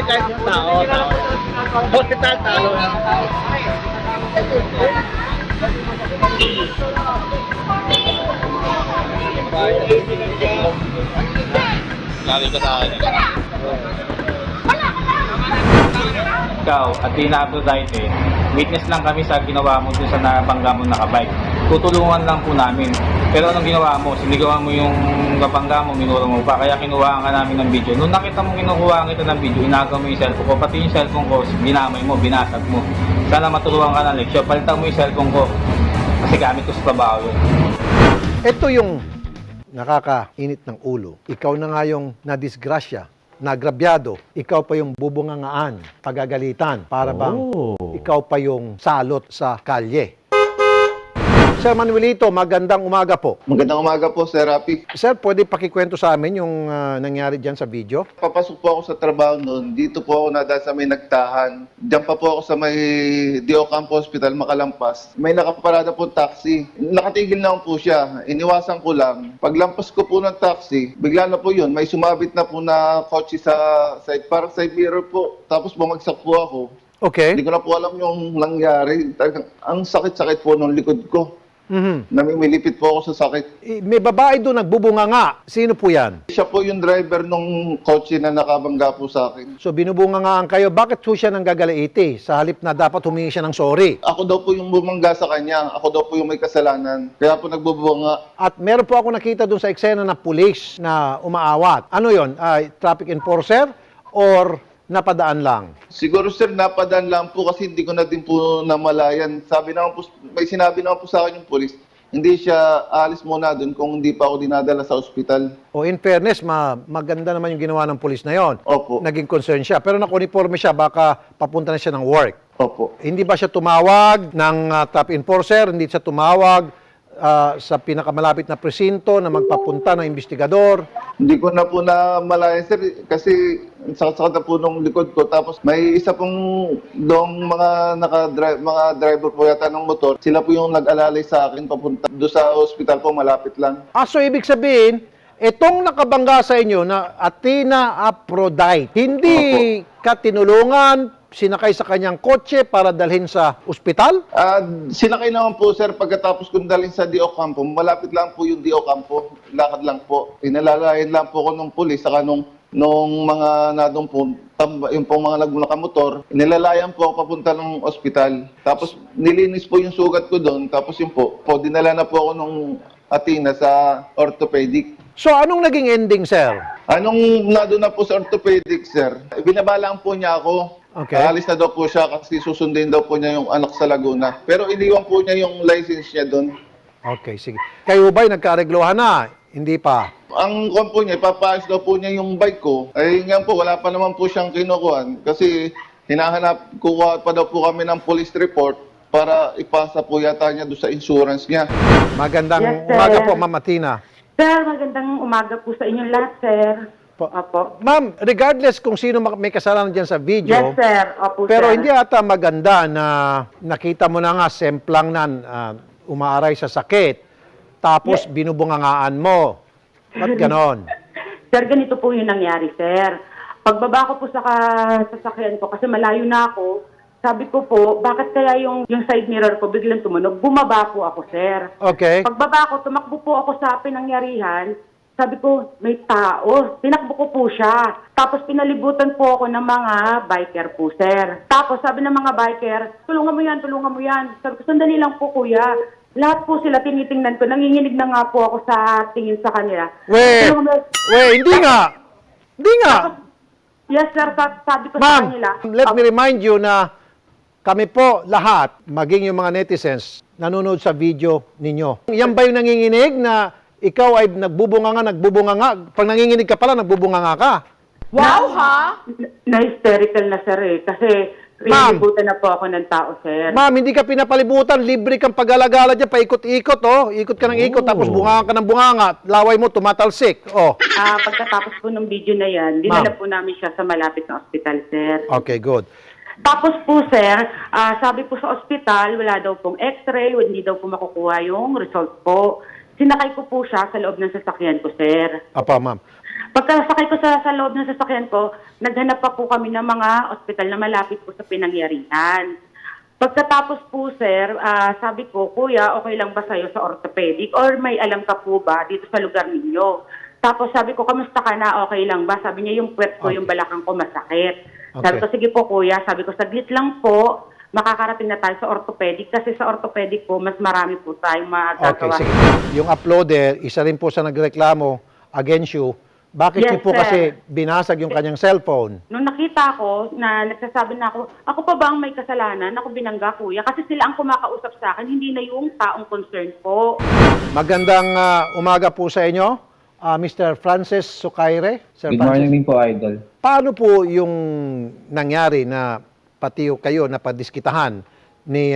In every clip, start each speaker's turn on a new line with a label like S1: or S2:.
S1: kahit yung tao. Hospital, talo.
S2: Lari ka sa akin. Ikaw, at Tina Aphrodite, witness lang kami sa ginawa mo dun sa nabangga mo nakabike. Tutulungan lang po namin. Pero anong ginawa mo? Sinigawan mo yung kabangga mo, minuro mo pa, kaya kinuhaan ka namin ng video. Nung nakita mo kinukuhaan kita ng video, inagaw mo yung cellphone ko, pati yung cellphone ko, binamay mo, binasag mo. Sana maturuan ka ng leksyon, palitan mo yung cellphone ko. Kasi gamit ko sa trabaho yun.
S3: Ito yung nakakainit ng ulo. Ikaw na nga yung nadisgrasya, nagrabyado. Ikaw pa yung bubungangaan, pagagalitan. Para bang ikaw pa yung salot sa kalye. Sir Manuelito, magandang umaga po.
S4: Magandang umaga po, Sir Rafi.
S3: Sir, pwede pakikwento sa amin yung nangyari dyan sa video?
S4: Papasok po ako sa trabaho noon. Dito po ako nadaan sa may nagtahan. Diyan pa po ako sa may Dio Campo Hospital, Makalampas. May nakaparada po taxi. Nakatigil na po siya. Iniwasan ko lang. Paglampas ko po ng taxi, bigla na po yun. May sumabit na po na kotse sa side, parang side mirror po. Tapos bumagsak po ako.
S3: Okay.
S4: Hindi ko na po alam yung nangyari. Ang sakit-sakit po ng likod ko. Namimilipit po ako sa sakit.
S3: May babae doon nagbubunganga. Sino po yan?
S4: Siya po yung driver nung kotse na nakabangga po sa akin.
S3: So binubungangaan kayo. Bakit po siya nang gagalaiti? Sa halip na dapat humingi siya ng sorry.
S4: Ako daw po yung bumangga sa kanya. Ako daw po yung may kasalanan. Kaya po nagbubunga.
S3: At meron po ako nakita doon sa eksena na pulis na umaawat. Ano yon? Traffic enforcer or napadaan lang?
S4: Siguro sir, napadaan lang po kasi hindi ko na din po namalayan. Sabi naman po, may sinabi naman po sa akin yung polis, hindi siya alis muna doon kung hindi pa ako dinadala sa ospital.
S3: O in fairness, maganda naman yung ginawa ng pulis na yon.
S4: Opo.
S3: Naging concern siya. Pero nakuniforme siya, baka papunta na siya ng work.
S4: Opo.
S3: Hindi ba siya tumawag ng traffic enforcer? Hindi siya tumawag sa pinakamalapit na presinto na magpapunta ng investigador?
S4: Hindi ko na po namalayan sir kasi sakit-sakit na po nung likod ko. Tapos may isa pong dong mga driver po yata ng motor. Sila po yung nag-alalay sa akin papunta doon sa ospital po, malapit lang.
S3: So ibig sabihin, itong nakabangga sa inyo na Athena Aphrodite, hindi ka tinulungan, sinakay sa kanyang kotse para dalhin sa ospital?
S4: Sinakay naman po sir pagkatapos kong dalhin sa Dio Campo. Malapit lang po yung Dio Campo. Lakad lang po. Inalalayan lang po ko nung pulis saka nung mga nadong po, yung pong mga nakamotor, inilalayan po ako papunta ng ospital. Tapos nilinis po yung sugat ko doon. Tapos yun po, dinala na po ako nung Athena sa orthopedic.
S3: So anong naging ending, sir?
S4: Anong nado na po sa orthopedic, sir? Binabalaan po niya ako.
S3: Okay.
S4: Aalis na daw po siya kasi susundin daw po niya yung anak sa Laguna. Pero iniwan po niya yung license niya doon.
S3: Okay, sige. Kayo ba'y nagkareglohan na? Hindi pa.
S4: Ang kwan po niya, ipapaayos daw po niya yung bike ko. Ay nga po, wala pa naman po siyang kinukuhan. Kasi kukuha pa daw po kami ng police report para ipasa po yata niya doon sa insurance niya.
S3: Magandang
S5: Yes, sir.
S3: umaga po, Ma'am Athena.
S5: Sir, magandang umaga po sa inyong lahat, sir. Opo.
S3: Ma'am, regardless kung sino may kasalanan dyan sa video,
S5: Yes, sir. Opo,
S3: pero
S5: sir.
S3: hindi ata maganda na nakita mo na nga semplang na umaaray sa sakit, tapos binubungangaan mo. Ba't ganon?
S5: Sir, ganito po yung nangyari, sir. Pagbaba ko po sa sasakyan ko, kasi malayo na ako, sabi ko po, bakit kaya yung side mirror ko biglang tumunog? Bumaba po ako, sir.
S3: Okay.
S5: Pagbaba ko, tumakbo po ako sa pinangyarihan. Sabi ko, may tao. Tinakbo ko po siya. Tapos pinalibutan po ako ng mga biker po, sir. Tapos sabi ng mga biker, tulungan mo yan, tulungan mo yan. Sabi ko, sandali lang po, kuya. Lahat po sila tinitingnan ko. Nanginginig na nga po ako sa tingin sa kanila.
S3: Hindi nga. Hindi nga.
S5: Yes, sir. Sabi ko sa
S3: Ma'am,
S5: kanila.
S3: let me remind you na kami po lahat, maging yung mga netizens, nanonood sa video ninyo. Yan ba yung nanginginig na ikaw ay nagbubunganga? Pag nanginginig ka pala, nagbubunganga ka?
S6: Wow, ha?
S5: Na-hysterical na, sir, eh. Kasi pinalibutan na po ako ng tao, sir.
S3: Ma'am, hindi ka pinapalibutan. Libre kang pag-alagala dyan. Paikot-ikot, oh. Ikot ka ng ikot, tapos bunganga ka ng bunganga. Laway mo, tumatalsik. Oh.
S5: Pagkatapos po ng video na yan, dinala po namin siya sa malapit na ospital, sir.
S3: Okay, good.
S5: Tapos po, sir, sabi po sa ospital, wala daw pong x-ray, hindi daw po makukuha yung result po. sinakay ko po siya sa loob ng sasakyan ko, sir.
S3: Apa, ma'am.
S5: Pagkasakay ko sa loob ng sasakyan ko, naghanap pa po kami ng mga ospital na malapit po sa pinangyarihan. Pagkatapos po, sir, sabi ko, Kuya, okay lang ba sa'yo sa orthopedic? Or may alam ka po ba dito sa lugar ninyo? Tapos sabi ko, kamusta ka na? Okay lang ba? Sabi niya, yung puwet ko, yung balakang ko masakit. Sabi ko, sige po, Kuya. Sabi ko, saglit lang po. Makakarating na tayo sa orthopedic. Kasi sa orthopedic po, mas marami po tayong
S3: Okay,
S5: magagawa.
S3: sige. Yung uploader, isa rin po sa nagreklamo against you. Bakit
S5: Yes,
S3: niyo po
S5: sir.
S3: kasi binasag yung kanyang cellphone?
S5: Nung nakita ko na nagsasabi na ako pa ba ang may kasalanan? Ako binangga, Kuya. Kasi sila ang kumakausap sa akin, hindi na yung taong concern po.
S3: Magandang umaga po sa inyo, Mr. Francis Sucaire. Sir
S2: Good
S3: Francis.
S2: morning po, Idol.
S3: Paano po yung nangyari na pati kayo napadiskitahan ni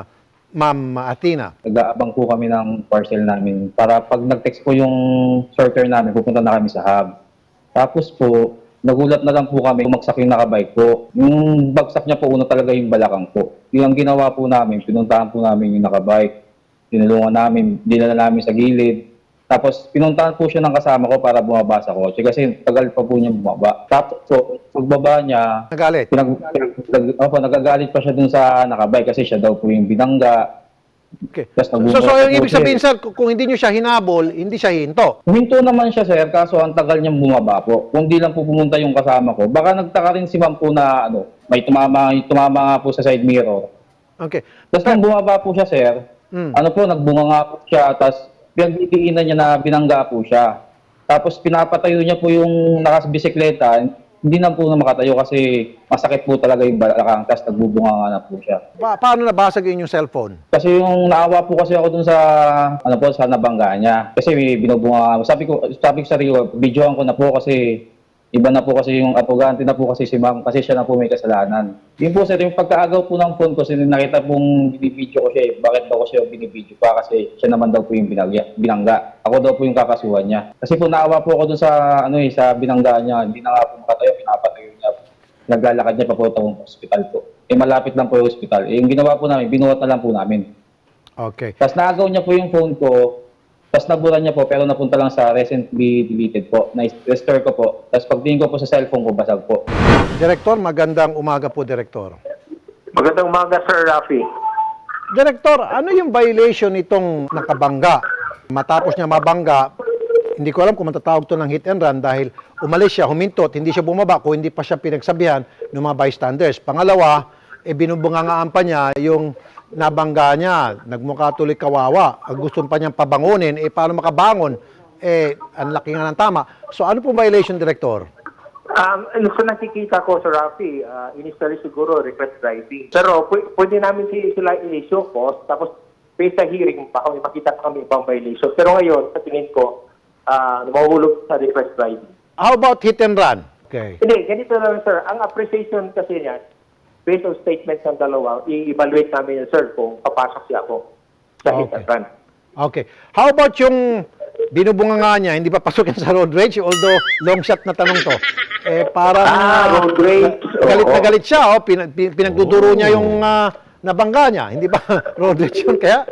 S3: Ma'am Athena?
S2: Nag-aabang po kami ng parcel namin para pag nag-text po yung sorter namin, pupunta na kami sa hub. Tapos po, nagulat na lang po kami, bumagsak yung nakabike po. Yung bagsak niya po, una talaga yung balakang po. Yung ang ginawa po namin, pinuntahan po namin yung nakabike. Tinulungan namin, dinala namin sa gilid. Tapos pinuntahan po siya ng kasama ko para bumaba sa kotse kasi tagal pa po niya bumaba. Tapos so, pagbaba niya,
S3: Nagalit?
S2: nagagalit pa siya dun sa nakabike kasi siya daw po yung binangga.
S3: Okay.
S2: Tapos
S3: So,
S2: nagbubulot
S3: yung
S2: po
S3: ibig
S2: siya.
S3: sabihin, sir, kung hindi nyo siya hinabol, hindi siya hinto.
S2: Huminto naman siya, sir, kaso ang tagal niyang bumaba po. Kung di lang po pumunta yung kasama ko, baka nagtaka rin si ma'am po na may tumama nga po sa side mirror.
S3: Okay.
S2: Tapos nung bumaba po siya, sir, nagbunga nga po siya, tapos pinagdidiinan niya na binangga po siya. Tapos pinapatayo niya po yung nakasbisikleta, hindi na po na makatayo kasi masakit po talaga yung balakang, tapos nagbubunga nga na po siya.
S3: Paano nabasag yung cellphone?
S2: Kasi yung naawa po kasi ako dun sa sa nabangga niya. Kasi may binubunga ako. Sabi ko sa sarili ko, videoan ko na po kasi iba na po kasi yung apogante na po kasi si ma'am kasi siya na po may kasalanan. Yun po sir, yung pagkaagaw po ng phone ko, nakita pong binibidyo ko siya, bakit daw ko siya binibidyo pa kasi siya naman daw po yung binangga. Ako daw po yung kakasuhan niya. Kasi po naawa po ako dun sa sa binangga niya, hindi na nga po makatayo, pinapatayo niya. Naglalakad niya papuntang hospital po. Malapit lang po yung hospital. Yung ginawa po namin, binuhat na lang po namin.
S3: Okay.
S2: Tapos naagaw niya po yung phone ko, tapos nabura niya po, pero napunta lang sa recently deleted po. Na-restore ko po. Tapos pagtingin ko po sa cellphone ko, basag po.
S3: Direktor, magandang umaga po, Direktor.
S1: Magandang umaga, Sir Rafi.
S3: Direktor, ano yung violation nitong nakabangga? Matapos niya mabangga, hindi ko alam kung matatawag to ng hit and run dahil umalis siya, humintot, hindi siya bumaba kung hindi pa siya pinagsabihan ng mga bystanders. Pangalawa, binubungangaan pa niya yung nabangga niya, nagmukha tuloy kawawa. Gusto pa niyang pabangunin, paano makabangon? Ang laki nga ng tama. So ano pong violation, Director?
S1: Sa nakikita ko, Sir Rafi, initially siguro request driving. Pero pwede namin sila i-issue post, tapos based sa hearing, baka may makita pa kami ibang violation. Pero ngayon, sa tingin ko, mahulog sa request driving.
S3: How about hit and run? Okay.
S1: Hindi, ganito lang, sir. Ang appreciation kasi niya, based on statements ng dalawa, i-evaluate namin yun, sir, kung papasok siya ako sa hit and run.
S3: Okay. How about yung binubunga nga niya, hindi pa pasok yan sa road rage, although long shot na tanong to. Parang
S1: road rage.
S3: galit na
S1: Oo.
S3: galit siya, pinagduduro niya yung nabangga niya. Hindi ba road rage yun? Kaya,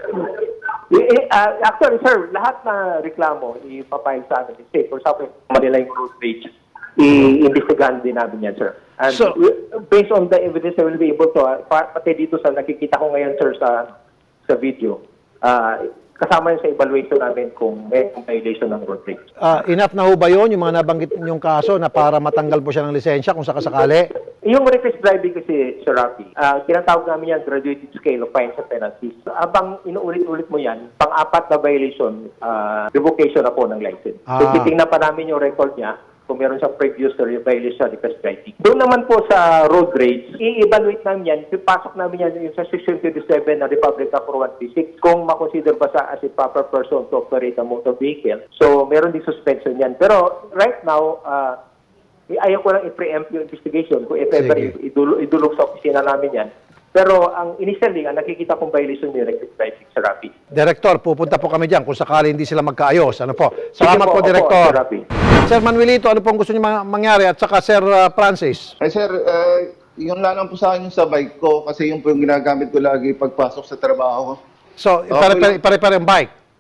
S1: Actually, sir, lahat na reklamo ipapile sa amin. Say, for example, Manila yung road rage, i-investigahan din namin yan, sir. And
S3: So-
S1: based on the evidence, I will be able to, pati dito sa nakikita ko ngayon, sir, sa video, kasama yun sa evaluation namin kung may violation ng road rage.
S3: enough na ho ba yun, yung mga nabanggit yung kaso na para matanggal po siya ng lisensya kung sakasakali?
S1: Yung reckless driving kasi, Sir Rafi, tinatawag namin yan graduated scale of fines and penalties. Abang inuulit-ulit mo yan, pang-apat na violation, revocation na po ng license. So, titingnan pa namin yung record niya kung meron siyang previous violation sa reckless driving. Doon naman po sa road rage, i-evaluate namin yan, pasok namin yan yung sa Section 27 ng Republic Act 4136 kung makonsider ba sa as a proper person to operate a motor vehicle. So, meron din suspension yan. Pero right now, ayaw ko lang i-preempt yung investigation kung if ever
S3: Sige.
S1: idulog sa opisina namin yan. Pero ang initially, ang nakikita kong violation ni reckless driving, Sir Rafi.
S3: Director, pupunta po kami dyan kung sakali hindi sila magkaayos. Ano po? Salamat
S1: Sige
S3: po,
S1: opo,
S3: Director.
S1: Sir Rafi.
S3: Sir Manuelito, ano pong gusto niyo mangyari? At saka Sir Francis.
S4: Sir, yun lang po sa akin yung sa bike ko kasi yun po yung ginagamit ko lagi pagpasok sa trabaho.
S3: So,
S4: Okay.
S3: pare-pare ang bike.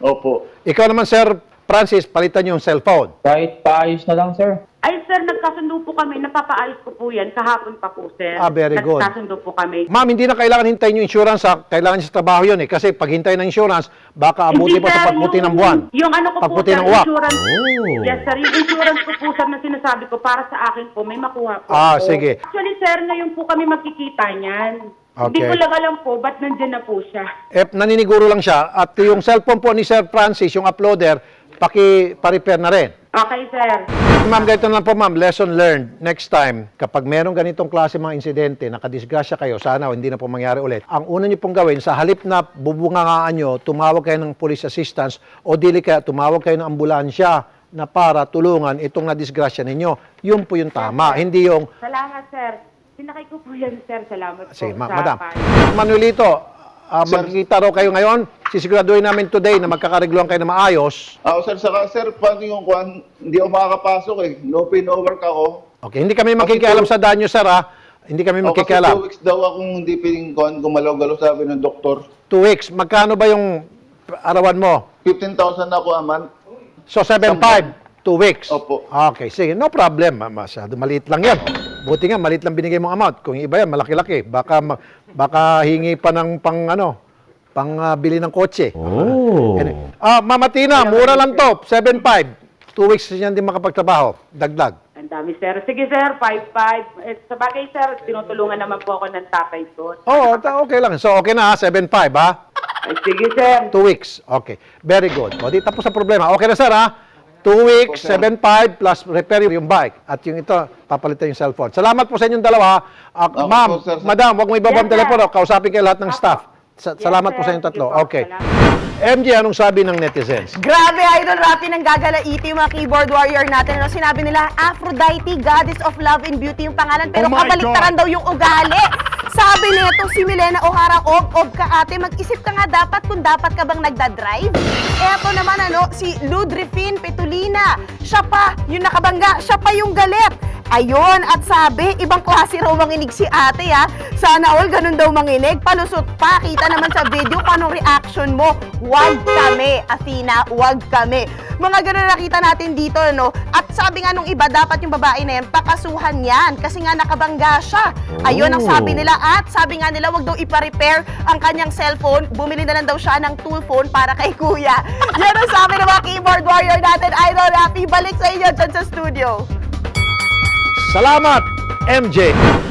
S4: Opo.
S3: Ikaw naman, Sir Francis, palitan yung cellphone.
S2: Kahit paayos na lang, sir.
S5: Ay, sir, nagkasundo po kami. Napapaayos ko po yan. Kahapon pa po, sir.
S3: Ah, very good.
S5: Nagkasundo po kami.
S3: Ma'am, hindi na kailangan hintayin yung insurance, ha? Kailangan niya sa trabaho yun, eh. Kasi pag hintayin ng insurance, baka abuti
S5: Hindi,
S3: pa sa
S5: sir,
S3: pagputi ng
S5: yung-
S3: buwan.
S5: Yung ano ko po,
S3: Pagputi
S5: sir,
S3: ng uwak.
S5: insurance. Yes, sir. Yung insurance ko po, sir, na sinasabi ko, para sa akin po, may makuha po.
S3: Ah,
S5: ako.
S3: sige.
S5: Actually, sir, ngayon po kami magkikita niyan. Hindi
S3: Okay.
S5: ko lang alam po, ba't nandyan na po siya?
S3: Naniniguro lang siya. At yung cellphone po ni Sir Francis, yung uploader, pa-repair na rin.
S5: Okay, sir.
S3: Ma'am, ganito na po, ma'am. Lesson learned. Next time, kapag merong ganitong klase mga insidente, nakadisgrasya kayo, sana hindi na po mangyari ulit. Ang una niyo pong gawin, sa halip na bubungangaan nyo, tumawag kayo ng police assistance o dili kaya tumawag kayo ng ambulansya na para tulungan itong nadisgrasya ninyo. Yun po yung tama. Hindi yung,
S5: Salamat, sir. Sinakay ko po yan, sir. Salamat po.
S3: sige,
S5: sa
S3: madam.
S5: payo.
S3: Manuelito,
S4: Sir.
S3: magkikita raw kayo ngayon. Sisiguraduhin namin today na magkakaregluhan kayo na maayos.
S4: Sir, saka sir, paano yung kwan? Hindi ako makakapasok eh. No pay, no work ako.
S3: Okay, hindi kami makikialam sa danyo, sir, ha? Hindi kami
S4: Kasi
S3: makikialam.
S4: 2 weeks daw akong hindi piling kwan, gumalaw-galaw sabi ng doktor.
S3: 2 weeks. Magkano ba yung arawan mo?
S4: 15,000 ako a month.
S3: So, 7.5, 2 weeks.
S4: Opo.
S3: Okay, sige. No problem. Masyado maliit lang yan. Buti nga, maliit lang binigay mong amount. Kung yung iba yan, malaki-laki. Baka hingi pa ng bili ng kotse.
S7: Oh.
S3: Mama Tina, mura lang to. 7.5. 2 weeks yan din makapagtrabaho. Dagdag.
S5: Ang dami, sir. Sige, sir. 5-5. Sa bagay, sir, tinutulungan naman po ako ng tatay ko.
S3: Oo, okay lang. So, okay na ha. 7.5 ha.
S5: Ay, sige, sir.
S3: 2 weeks. Okay. Very good. O, di tapos sa problema. Okay na, sir, ha? 2 weeks, 7.5 plus repair yung bike. At yung ito, papalitan yung cellphone. Salamat po sa inyong dalawa. Ma'am,
S4: po, sir.
S3: madam, huwag mo ibabang
S5: Yes, sir.
S3: telepono. Kausapin kayo lahat ng staff. Salamat
S5: Yes,
S3: po
S5: sir.
S3: sa inyong tatlo.
S5: Sige po,
S3: Okay.
S5: salamat.
S3: MJ, anong sabi ng netizens?
S6: Grabe, Idol Rafi, nang gagalaiti yung mga keyboard warrior natin. Ano sinabi nila? Aphrodite, goddess of love and beauty yung pangalan. Pero kabaliktaran daw yung ugali. Sabi nito si Milena O'Hara, ob ka ate, mag-isip ka nga dapat kung dapat ka bang nagdadrive. Eto naman si Ludrifin Petulina. Siya pa yung nakabangga, siya pa yung galit. Ayun, at sabi, ibang klase raw manginig si ate ha. Sana all ganun daw manginig. Palusot pa, kita naman sa video kung anong reaction mo. Wag kami, Athena, wag kami. Mga ganun na nakita natin dito, no? At sabi nga nung iba, dapat yung babae na yan, pakasuhan yan. Kasi nga nakabangga siya. Ayun ang sabi nila. At sabi nga nila, wag daw ipa-repair ang kanyang cellphone. Bumili na lang daw siya ng tool phone para kay kuya. Yan ang sabi ng mga keyboard warrior natin. Idol Rafi, balik sa inyo dyan sa studio.
S3: Salamat, MJ.